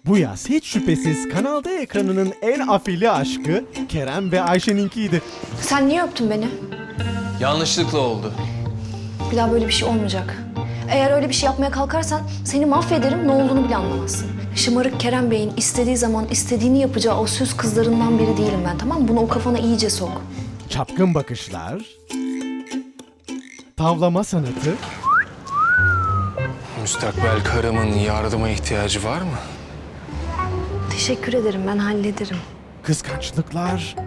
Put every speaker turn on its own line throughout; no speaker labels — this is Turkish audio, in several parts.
Bu yaz hiç şüphesiz Kanal D ekranının en afili aşkı Kerem ve Ayşe'ninkiydi.
Sen niye öptün beni?
Yanlışlıkla oldu.
Bir daha böyle bir şey olmayacak. Eğer öyle bir şey yapmaya kalkarsan seni mahvederim, ne olduğunu bile anlamazsın. Şımarık Kerem Bey'in istediği zaman istediğini yapacağı o süs kızlarından biri değilim ben, tamam mı? Bunu o kafana iyice sok.
Çapkın bakışlar, tavlama sanatı,
Müstakbel karımın yardıma ihtiyacı var mı?
Teşekkür ederim, ben hallederim.
kıskançlıklar...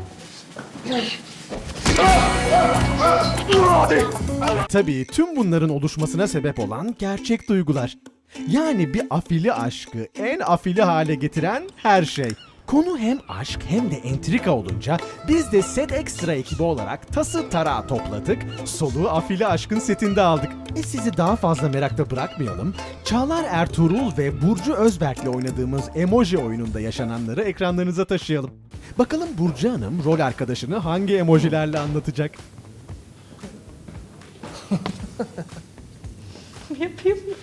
Tabii tüm bunların oluşmasına sebep olan gerçek duygular. Yani bir afili aşkı en afili hale getiren her şey. Konu hem aşk hem de entrika olunca biz de Set Extra ekibi olarak tası tarağı topladık, soluğu afili aşkın setinde aldık. Sizi daha fazla merakta bırakmayalım. Çağlar Ertuğrul ve Burcu Özberk'le oynadığımız emoji oyununda yaşananları ekranlarınıza taşıyalım. Bakalım Burcu Hanım rol arkadaşını hangi emojilerle anlatacak?
Yapayım mı?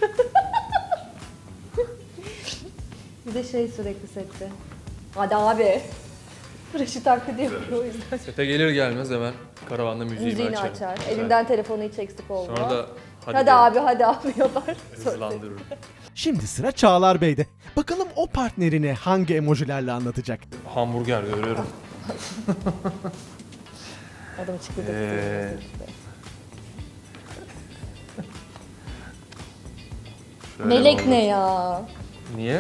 Bir de şey sürekli sette. Hadi abi. Reşit taklidi yapıyor o yüzden.
Sete gelir gelmez hemen karavanda
Müziğini
açarım.
açar.
Evet.
Elinden telefonu hiç eksik olmaz.
Sonra da
hadi
derim,
abi hadi abi yapar.
hızlandırırım.
Şimdi sıra Çağlar Bey'de. Bakalım o partnerini hangi emojilerle anlatacak?
Hamburger görüyorum.
Adam çıktı da işte.
Şöyle
Melek
oldu.
ne ya?
Niye?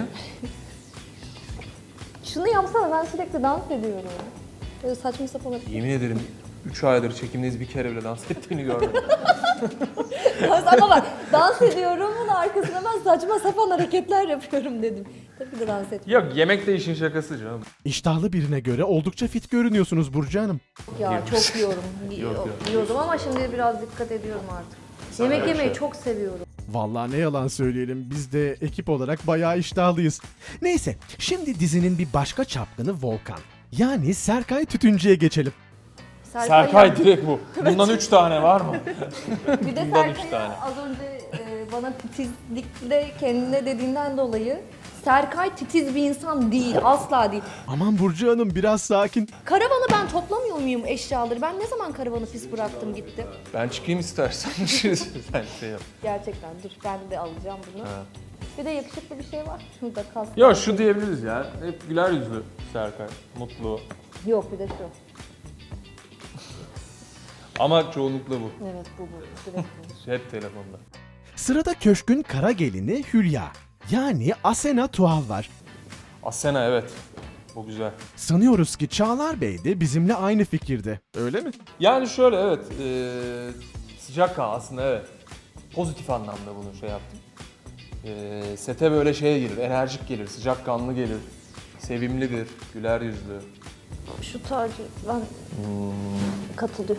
Şunu yapsana, ben sürekli dans ediyorum. Böyle saçma sapan
Yemin ederim 3 aydır çekimdeyiz, bir kere bile dans ettiğini görmedim.
Ama bak, dans ediyorum, bunun arkasına ben saçma sapan hareketler yapıyorum dedim. Tabii ki de dans etmiyorum.
Yok, yemek de işin şakası canım.
İştahlı birine göre oldukça fit görünüyorsunuz Burcu Hanım.
Ya çok yiyorum.
Yok.
Yiyordum ama şimdi biraz dikkat ediyorum artık. Yemek yemeyi çok seviyorum.
Vallahi ne yalan söyleyelim, biz de ekip olarak bayağı iştahlıyız. Neyse, şimdi dizinin bir başka çapkını Volkan. Yani Serkay Tütüncü'ye geçelim.
Serkay direkt bu. Bundan 3 tane var mı?
Bir de
Bundan üç
Serkay'a
tane.
az önce bana titizlikle kendine dediğinden dolayı Serkay titiz bir insan değil, asla değil.
Aman Burcu Hanım biraz sakin.
Karavanı ben toplamıyor muyum eşyaları? Ben ne zaman karavanı pis bıraktım gitti?
Ben çıkayım istersen. Sen şey yap.
Gerçekten dur, ben de alacağım bunu.
Ha.
Bir de yakışıklı bir şey var. Şurada kas.
Ya şu diyebiliriz ya. Hep güler yüzlü Serkay. Mutlu.
Yok, bir de şu.
Ama çoğunlukla bu.
Evet, bu. Direkt bu.
Hep telefonda.
Sırada köşkün kara gelini Hülya. Yani Asena Tuğal var.
Asena, evet. Bu güzel.
Sanıyoruz ki Çağlar Bey de bizimle aynı fikirde. Öyle mi?
Yani şöyle, evet. Sıcak aslında, evet. Pozitif anlamda bunu şey yaptım. Sete böyle şey gelir, enerjik gelir, sıcakkanlı gelir. Sevimlidir, güler yüzlü.
Şu tacı ben katılıyorum.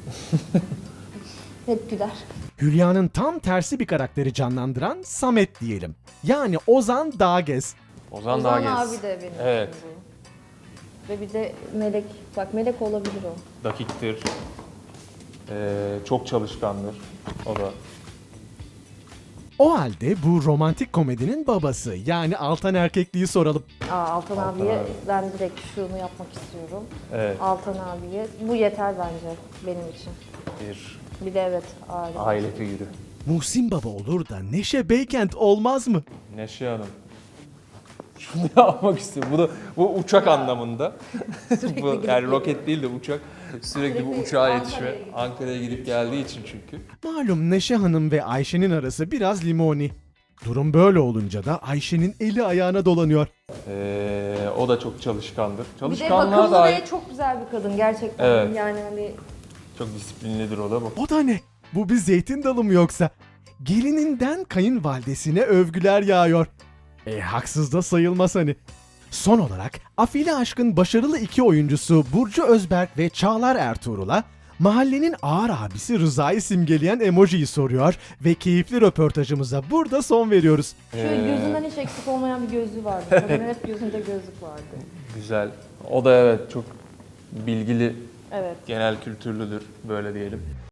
Hep güler.
Hülya'nın tam tersi bir karakteri canlandıran Samet diyelim. Yani Ozan Dağgez.
Ozan
Ozan
Dağgez.
abi de benim
Evet.
için bu. Ve bir de Melek. Bak, Melek olabilir o.
Dakiktir. Çok çalışkandır. O da.
O halde bu romantik komedinin babası yani Altan Erkekliği soralım.
Altan
Altan
abiye
abi.
ben direkt şunu yapmak istiyorum.
Evet.
Altan abiye. Bu yeter bence benim için.
Bir
Bir de evet aile.
aile figürü.
Muhsin Baba olur da Neşe Beykent olmaz mı?
Neşe Hanım. Şunu yapmak istiyorum. Bu uçak anlamında. Bu
gidip
yani
geliyor.
roket değil de uçak. Sürekli bu
Sürekli
uçağa
Ankara'ya
yetişme.
gidiyor.
Ankara'ya gidip geldiği için çünkü.
Malum Neşe Hanım ve Ayşe'nin arası biraz limoni. Durum böyle olunca da Ayşe'nin eli ayağına dolanıyor.
O da çok çalışkandır.
Bir de
Çalışkanlığa
bakımlı
dair
ve çok güzel bir kadın gerçekten.
Evet.
Yani hani
çok disiplinlidir o da bu.
O da ne? Bu bir zeytin dalı mı yoksa? Gelininden kayınvalidesine övgüler yağıyor. Haksız da sayılmaz hani. Son olarak Afili Aşk'ın başarılı iki oyuncusu Burcu Özberk ve Çağlar Ertuğrul'a mahallenin ağır abisi Rıza'yı simgeleyen emojiyi soruyor ve keyifli röportajımıza burada son veriyoruz.
şöyle gözünden hiç eksik olmayan bir gözlüğü vardı. Kadının hep gözünde gözlük vardı.
Güzel. O da evet çok bilgili,
Evet.
genel kültürlüdür böyle diyelim.